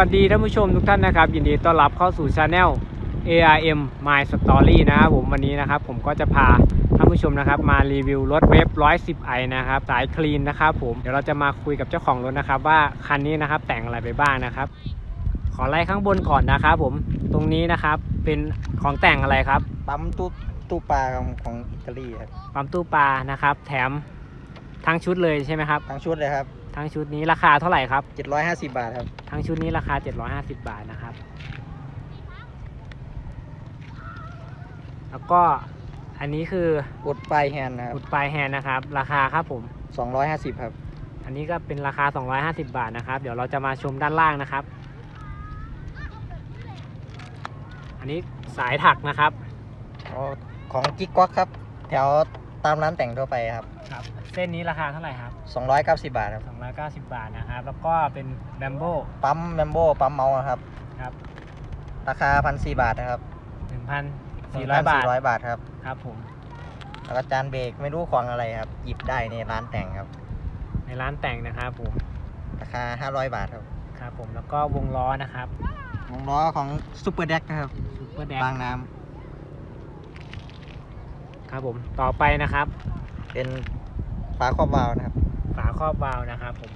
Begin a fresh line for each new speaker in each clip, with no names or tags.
วัสดีท่านผู้ชมทุกท่านนะครับยินดีต้อนรับเข้าสู่ Channel ARM My Story นะครับผมวันนี้นะครับผมก็จะพาท่านผู้ชมนะครับมารีวิวรถเวฟ 110i นะครับสายคลีนนะครับผมเดี๋ยวเราจะมาคุยกับเจ้าของรถนะครับว่าคันนี้นะครับแต่งอะไรไปบ้างนะครับขอไล่ข้างบนก่อนนะครับผมตรงนี้นะครับเป็นของแต่งอะไรครับ
ปั๊มตู้ปลาของอิตาลีครับ
ปั๊มตู้ปลานะครับแถมทั้งชุดเลยใช่ไหมครับ
ทั้งชุดเลยครับ
ทั้งชุดนี้ราคาเท่าไหร่ครับ
750 บาทครับ
ทั้งชุดนี้ราคา750 บาทนะครับแล้วก็อันนี้คือ
อุดปลายแฮนด์นะครับ
อุดปลายแฮนด์นะครับราคาครับผม
250ครับ
อันนี้ก็เป็นราคา250 บาทนะครับเดี๋ยวเราจะมาชมด้านล่างนะครับอันนี้สายถักนะครับ
ของกิ๊กก๊อกครับแถวตามร้านแต่งทั่วไปครับ
เส้นนี้ราคาเท่าไหร่ครับ
290 บาทครับ
290 บาทนะครับแล้วก็เป็นแบมโบ
ปั๊มแบมโบปั๊มเมาส์ครับราคา 1,400 บาทนะครับ
1,400
บาทครับ
ครับผม
แล้วก็จานเบรกไม่รู้ของอะไรครับหยิบได้ในร้านแต่งครับ
ในร้านแต่งนะครับผม
ราคา500 บาทครับ
ครับผมแล้วก็วงล้อนะครับ
วงล้อของซูเปอร์แดกนะครับ
ซูเปอร์แดก
บางน้
ำครับผมต่อไปนะครับ
เป็นฝาครอบวาล์วนะครับ
ฝาครอบวาล์วนะครับผม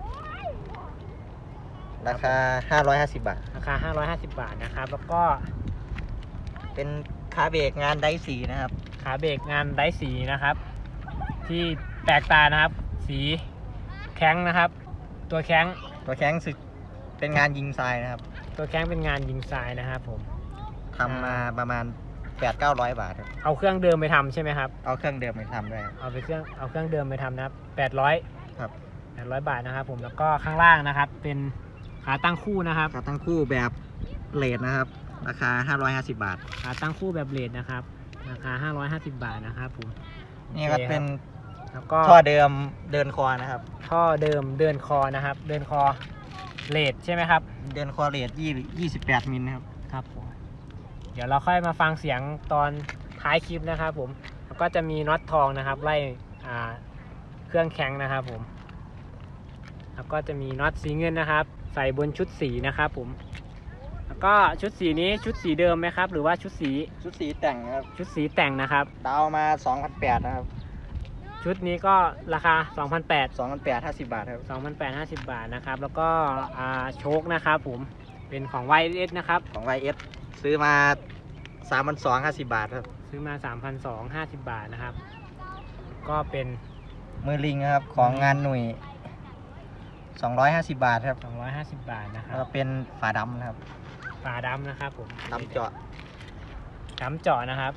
ราคา550 บาท
ราคา550 บาทนะครับแล้วก็
เป็นขาเบรกงานไดสีนะครับ
ขาเบรกงานไดสีนะครับที่แปลกตานะครับสีแข้งนะครับตัวแข้ง
สึกเป็นงานยิงทรายนะครับ
ตัวแข้งเป็นงานยิงทรายนะครับผม
ทำมาประมาณ800-900 บาทครับ
เอาเครื่องเดิมไปทำใช่ไหมครับ
เอาเครื่องเดิมไปทำด้วย
เอาเครื่องเดิมไปทำนะครับ800
ครับ
800 บาทนะครับผมแล้วก็ข้างล่างนะครับเป็นขาตั้งคู่นะครับ
ขาตั้งคู่แบบเลดนะครับราคา550 บาท
ขาตั้งคู่แบบเลดนะครับราคา550 บาทนะครับผม
นี่ก็เป็น
แล้วก็
ท่อเดิมเดินคอนะครับ
ท่อเดิมเดินคอนะครับเดินคอเลดใช่ไหมครับ
เดินคอเลด28 มิลนะครับ
ครับผมเดี๋ยวเราค่อยมาฟังเสียงตอนท้ายคลิปนะครับผมแล้วก็จะมีน็อตทองนะครับไล่เครื่องแข็งนะครับผมแล้วก็จะมีน็อตสีเงินนะครับใส่บนชุดสีนะครับผมแล้วก็ชุดสีนี้ชุดสีเดิมไหมครับหรือว่าชุดสี
แต่งครับ
ชุดสีแต่งนะครับ
ดาวมา2,800นะครับ
ชุดนี้ก็ราคา
2,850 บาทครับ
2,850 บาทนะครับแล้วก็โชคนะครับผมเป็นของ YS นะครับ
ของ YS ซื้อมา 3,250 บาทครับ
ซื้อมา 3,250 บาทนะครับก็เป็น
มือลิงครับของงานหนุ่ย250 บาทครับ
250 บาทนะครับ
แล้วเป็นฝาดำนะครับ
ฝาดำนะครับผม
ดำเจาะ
นะครับ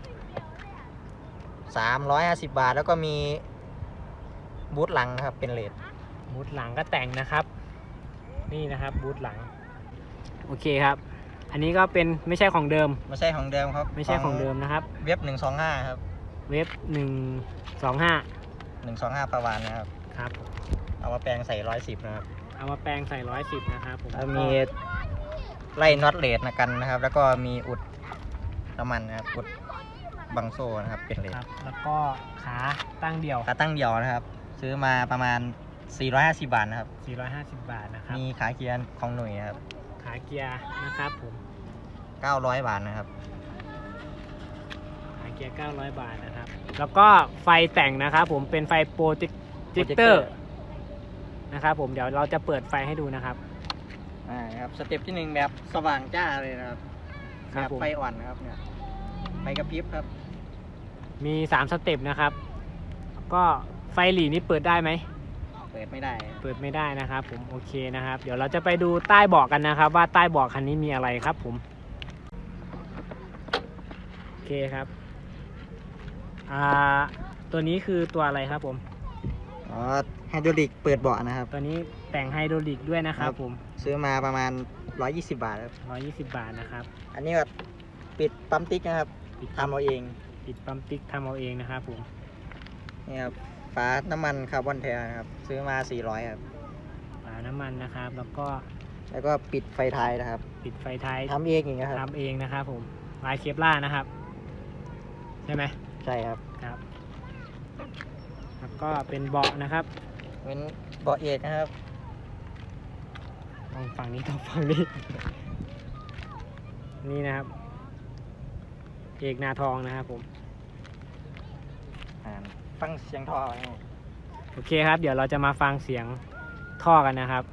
350 บาทแล้วก็มีบูทหลังนะครับเป็นเลด
บูทหลังก็แต่งนะครับนี่นะครับบูทหลังโอเคครับอันนี้ก็เป็นไม่ใช่ของเดิม
ไม่ใช่ของเดิมครับ
ไม่ใช่ของเดิมนะครับ
เว็บ125ครับ
เว็บ125
ประวานนะครับ
ครับ
เอามาแปลงใส่110นะครับ
เอามาแปลงใส่110นะครับผม
แล้วมีไล่น็อตเลดนะกันนะครับแล้วก็มีอุดน้ำมันนะครับอุดบังโซ่นะครับเป็นเลด
แล้วก็ขาตั้งเดี่ยว
นะครับซื้อมาประมาณ450 บาทนะครับ
450 บาทนะครับ
มีขาเกียร์ของหน่วยครับ
ขาเกียร์นะครับผม
900 บาทนะครับ
ขาเกียร์900 บาทนะครับแล้วก็ไฟแต่งนะครับผมเป็นไฟโปรเจคเตอร์นะครับผมเดี๋ยวเราจะเปิดไฟให้ดูนะครับ
ครับสเต็ปที่1แบบสว่างจ้าเลยนะครับแบบไฟอ่อนนะครับเนี่ยไฟกระพริบครับ
มี3สเต็ปนะครับก็ไฟหลีนี้เปิดได้ไหม
เปิดไม่ได้
นะครับผมโอเคนะครับเดี๋ยวเราจะไปดูใต้เบาะกันนะครับว่าใต้เบาะคันนี้มีอะไรครับผมโอเคครับตัวนี้คือตัวอะไรครับผม
ไฮดรอลิกเปิดเบาะนะครับ
ตัวนี้แต่งไฮดรอลิกด้วยนะครับผม
ซื้อมาประมาณ120 บาทครับ
120 บาทนะครับ
อันนี้ก็ปิดปั๊มติ๊กนะครับทำเอาเอง
ปิดปั๊มติ๊กทำเอาเองนะครับผม
นี่ครับฝาน้ำมันคาร์บอนแท้นะครับซื้อมา400ครับ
ฝาน้ำมันนะครับแล้ว
ก็ปิดไฟท้ายนะครับ
ปิดไฟท้าย
ทำเองอย่างเงี้ยครับ
ทำเองนะครับผมลายเคปล่านะครับใช่ไหม
ใช่ครับ
แล้วก็เป็นเบาะนะครับ
เป็นเบาะเอกนะครับ
ต้องฝั่งนี้ต้องฝั่งนี้ นี่นะครับ เอกนาทองนะครับผม
ฟังเสียงท่อนะ
โอเคครับ เดี๋ยวเราจะมาฟังเสียงท่อกันนะครับ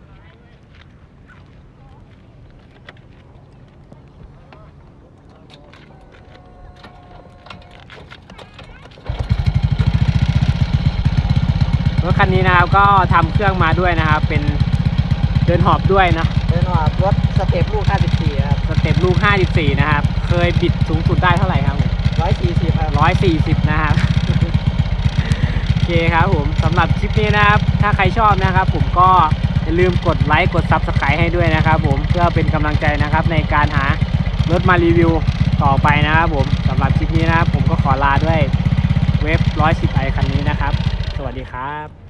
รถคันนี้นะครับก็ทำเครื่องมาด้วยนะครับ เป็นเดินหอบด้วยนะ
เดินว่ารถสเต็ปลูก 54 ครับ
สเต็ปลูก 54 นะครับ เคยบิดสูงสุดได้เท่าไหร่ครับผม
140 ครับ
140 นะครับ โอเคครับผมสำหรับคลิปนี้นะครับ ถ้าใครชอบนะครับ ผมก็อย่าลืมกดไลค์กด Subscribe ให้ด้วยนะครับผมเพื่อเป็นกำลังใจนะครับในการหารถมารีวิวต่อไปนะครับผมสำหรับคลิปนี้นะครับผมก็ขอลาด้วยเว็บ110i คันนี้นะครับ สวัสดีครับ